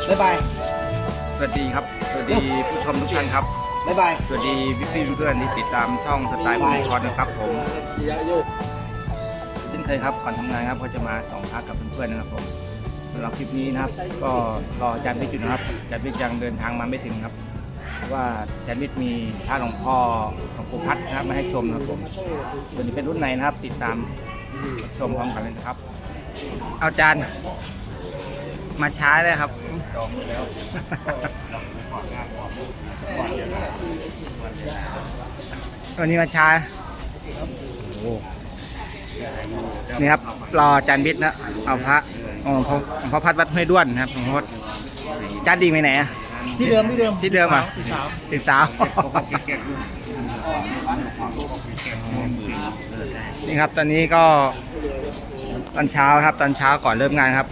บ๊ายบายสวัสดีครับสวัสดีผู้ชมทุกท่านครับบ๊ายบายสวัสดีพี่เพื่อนที่ติดตามช่องสไตล์บุญชอนนะครับผมเช่นเคยครับก่อนทำงานครับก็จะมาส่องพระกับเพื่อนๆนะครับผมสำหรับคลิปนี้นะครับก็รออาจารย์วิทย์อยู่นะครับอาจารย์วิทย์ยังเดินทางมาไม่ถึงครับเพราะว่าอาจารย์วิทย์มีพระหลวงพ่อหลวงปู่พัดนะครับมาให้ชมนะครับผมส่วนนี้เป็นรุ่นไหนนะครับติดตามชมพร้อมกันเลยนะครับอาจารย์มาช้าเลยครับจองแล้ววันนี้มาช้านี่ครับรออาจารย์วิทย์นะเอาพระพระพัดวัดห้วยด้วนครับหลวงพ่ออาจารย์ดีไปไหนอะที่เดิมอ่ะติดสาวนี่ครับตอนนี้ก็ตอนเช้าครับตอนเช้าก่อนเริ่มงานครับ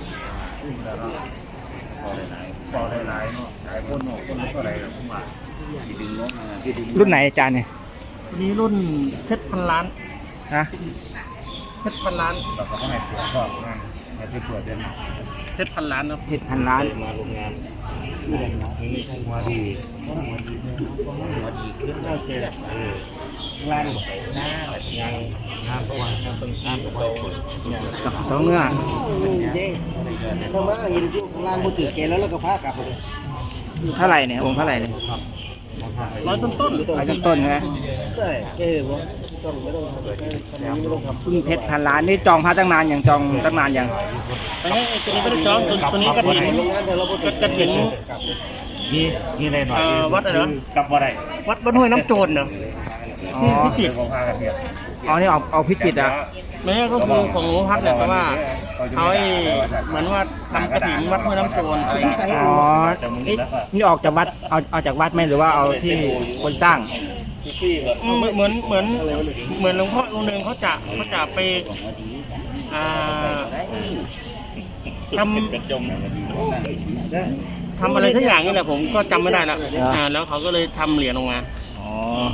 รุ่นไหนอาจารย์เนี่ยนี้รุ่นเพชรพันล้านนะเพชรพันล้านเราก็ให้ตรวจก็ให้ไปตรวจเดือนเพชรพันล้านครับเพชรพันล้านมาโรงงานนี่หัวดีหัวดีขึ้นแล้วเจอล้านหน้าแบบยังน้ำประวัติซ้ำๆโตสองเนื้อเข้ามาเห็นพวกล้านบุตรแกแล้วก็พากลับเลยเท่าไหร่เนี่ยองค์เท่าไหร่เนี่ยร้อยต้นใช่ไหมใช่ผมต้องไม่ต้องทำคุณเพชรพันล้านนี่จองพระตั้งนานอย่างจองตั้งนานอย่างตัวนี้ไม่ได้จองตัวนี้กระถิ่นนี่ได้หน่อยวัดอะไรนะกลับว่าได้วัดห้วยน้ำโจรเนาะที่พิจิตรอ๋อนี่เอาพิจิตรอ่ะไม่ใช่ก็คือของหลวงพ่อพัดเนี่ยแต่ว่าเขาเหมือนว่าทำกระถิ่นวัดห้วยน้ำโจรอะไรอ๋อนี่ออกจากวัดเอาจากวัดไหมหรือว่าเอาที่คนสร้างเหมือนหลวงพ่อองค์หนึ่งเขาจะไปทำอะไรสักอย่างนี่แหละผมก็จำไม่ได้แล้วแล้วเขาก็เลยทำเหรียญออกมาอ๋อ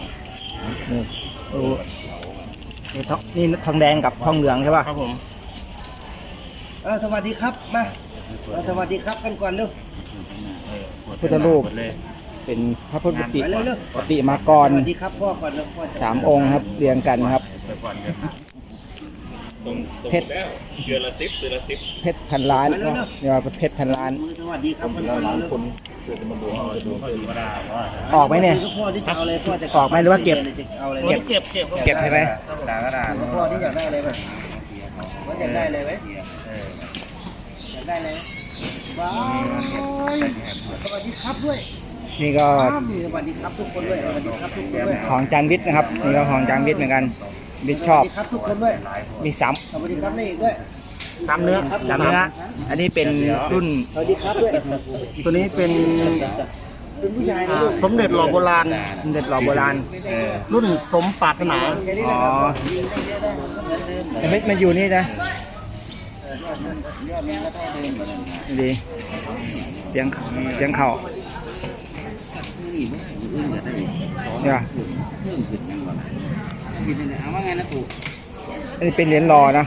นี่ทองแดงกับทองเหลืองใช่ป่ะครับผมสวัสดีครับมาสวัสดีครับกันก่อนเร็วพุทธรูปเป็นพระพุทธปฏิมากรสวัสดีครับพ่อก่อนแล้ว 3 องค์ครับเรียงกันครับเพชรเพชรพันล้านเนี่ยเพชรพันล้านสวัสดีครับคนออกไหมเนี่ยออกไหมหรือว่าเก็บใช่ไหมพ่อที่อยากได้อะไรไหมว่าอยากได้อะไรไหมอยากได้อะไรว้าวสวัสดีครับด้วยนี่ก็สวัสดีครับทุกคนด้วยสวัสดีครับทุกคนด้วยของจานวิทย์นะครับนี่ก็ของจานวิทย์เหมือนกันวิทย์ชอบครับทุกคนด้วยมี 3สวัสดีครับนี่อีกด้วย 3 เนื้ออันนี้เป็นรุ่นสวัสดีครับด้วยตัวนี้เป็นผู้ชายนะสมเด็จหล่อโบราณรุ่นสมปรารถนาอ๋อไม่อยู่นี่นะดีเสียงเข่าเนี่ยอันนี้เป็นเหรียญรอนะ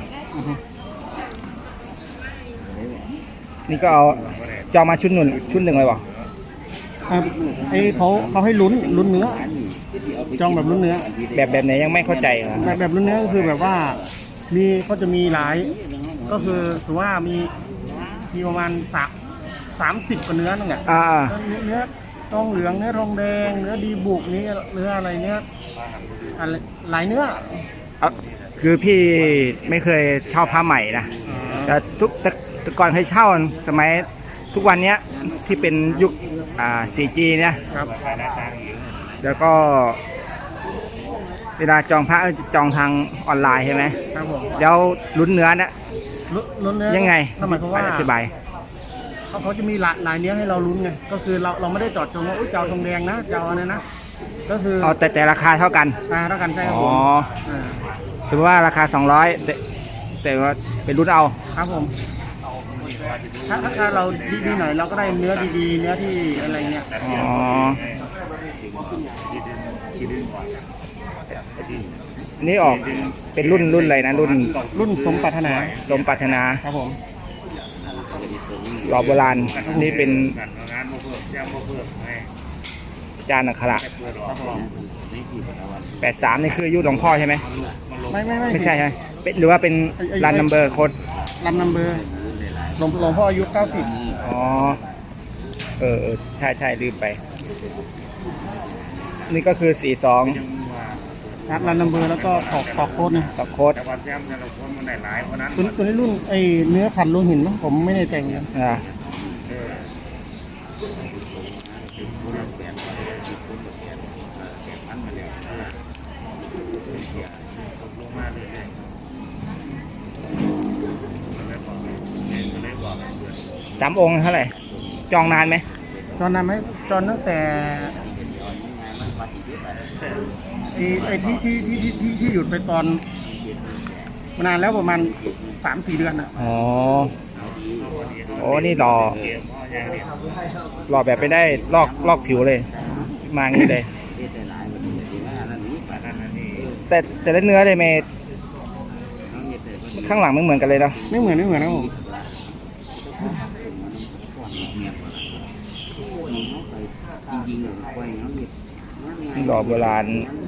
นี่ก็เอาจะมาชุดหนึ่งเลยวะไอ้เขาให้ลุ้นเนื้อจองแบบลุ้นเนื้อแบบไหนยังไม่เข้าใจแบบลุ้นเนื้อก็คือแบบว่าก็จะมีหลายก็คือถือว่ามีประมาณ30 กว่าเนื้อนั่นแหละเนื้อทองเหลืองเนื้อทองแดงเนื้อดีบุกเนื้ออะไรเนื้อหลายเนื้อคือพี่ไม่เคยเช่าผ้าใหม่นะแต่ก่อนเคยเช่าสมัยทุกวันนี้ที่เป็นยุค4G เนี่ยแล้วก็เวลาจองพระจองทางออนไลน์ใช่ไหมครับผมแล้วลุ้นเนื้อเนี่ยลุ้นเนื้อยังไงหมายความว่าอธิบายเขาจะมีหลายเนื้อให้เราลุ้นไงก็คือเราไม่ได้จอดจงว่าเจ้าทองแดงนะเจ้าอะไรนะก็คือแต่ราคาเท่ากันใช่ครับผมถือว่าราคา200แต่ว่าเป็นรุ่นเอาครับผมถ้าเราดีหน่อยเราก็ได้เนื้อดีๆเนื้อที่อะไรเงี้ยนี่ออกเป็นรุ่นอะไรนะรุ่นสมปรารถนาครับผมหล่อโบราณนี่เป็นงานมาเพิ่มแจ้งมาเพิ่มให้จานอักขระเพื่อรอนี่กี่วัน 83นี่คืออายุหลวงพ่อใช่ไหมไม่ไม่ใช่ใช่ไหมเป็นหรือว่าเป็นรันนัมเบอร์โค้ดรันนัมเบอร์หลวงพ่ออายุ 90 อ๋อใช่ลืมไป นี่ก็คือ 42 รันนัมเบอร์แล้วก็ตอกโค้ดนะต่อโค้ดแต่ว่าแซมแต่ละคนมันได้หลายเพราะนั้นตัวนี้รุ่นไอเนื้อขันโลหินนะผมไม่ได้แต่งนะอ่าลงมาเลยเลยบอก 3 องค์เท่าไหร่ จองนานไหมจอนนานไหมจอนตั้งแต่ไอที่หยุดไปตอนมานานแล้วประมาณ 3-4 เดือนนะอ๋อโอ้นี่หล่อแบบไปได้ลอกผิวเลย มาอย่างนี้เลย แต่ละเนื้อเลยเมย์ข้างหลังไม่เหมือนกันเลยเนาะไม่เหมือนนะผมหล่อโบราณ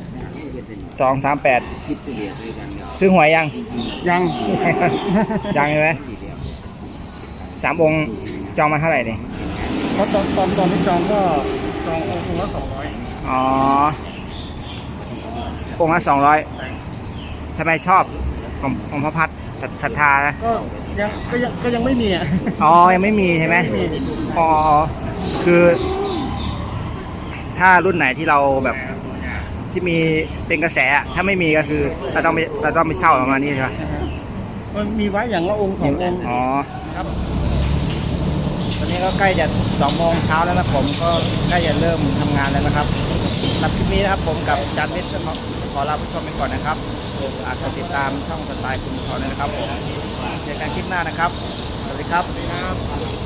238ซื้อหวยยังยังยังใช่ไหม3 องค์จองมาเท่าไหร่เนี่ยเพราะตอนที่จองก็จององค์ละ200 อ๋อองค์ละ200ทำไมชอบของพระพัฒน์ศรัทธานะก็ยังไม่มีอ่ะอ๋อยังไม่มีใช่ไหมไม่มีอ๋อคือ ถ้ารุ่นไหนที่เราแบบที่มีเป็นกระแสอะถ้าไม่มีก็คือเราต้องไปเช่าประมาณนี้ใช่ไหมมันมีไว้อย่างละองค์ 2 องค์อ๋อครับตอนนี้ก็ใกล้จะ2 โมงเช้าแล้วนะผมก็ใกล้จะเริ่มทำงานแล้วนะครับสำหรับคลิปนี้นะครับผมกับจานวิทย์ขอลาผู้ชมไปก่อนนะครับอาจจะติดตามช่องสไตล์คุณเขาเลยนะครับผมเจอกันคลิปหน้านะครับสวัสดีครับ